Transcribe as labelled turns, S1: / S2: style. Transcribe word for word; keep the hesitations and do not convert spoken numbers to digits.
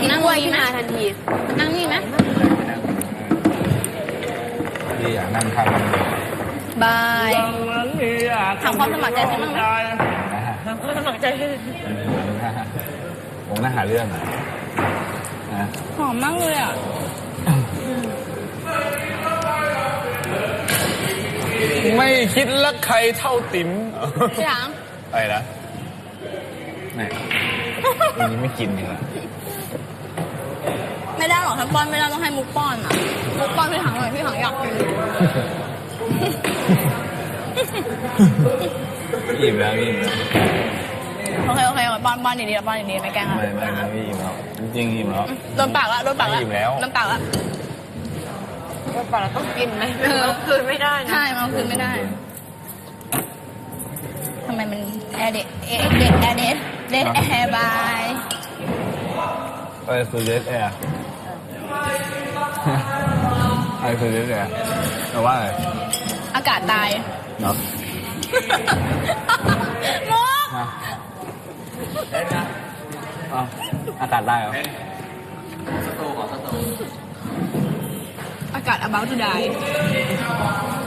S1: กินกล้วยขึ้นมาทันทีนั่งนี่ไหม
S2: พี่อยากนั่งทำ
S1: บายทำความสมัครใจใช่ไหมทำความสมัครใจ
S2: ผมน่าหาเรื่องอ่ะ
S1: หอมมากเลยอ่ะ
S3: ไม่คิดรักใครเท่าติ๋ม
S1: พี่ถัง
S2: อะไรนะไม่อันนี้ไม่กินเลย
S1: ไม่ได้หรอกถ้าป้อนไม่ได้ต้องให้มุกป้อนอ่ะมุกป้อนพี่ถังหน่อยพี่ถังอยากกิน
S2: อิ่มแล้วอิ่มแล้ว
S1: โอเคโอเคป้อนป้อนดีๆป้อนดีๆไม่แกล้งอ่ะ
S2: ไม่ไม่ไม่อิ่มแล้วจริงอิ่มแล้ว
S1: โดนปากละโดนปากละ
S2: อิ่มแล้ว
S1: โดนปากละ
S4: โดนปากเราต้องกินไหมเราคืนไม่ได้นะ
S1: ใช่มันคืนไม่ได้ทำไมมันแอร์เด็ดเอเด็ดแอร์เด็ดเด็ดแอร์บาย
S2: เออคือเด็ดแอร์ไอคือเด็ดแอร์แปลว่าอะไร
S1: อากาศตาย
S2: เนาะ
S1: มุก
S2: อากาศได้เหรอ
S1: อากาศ about to die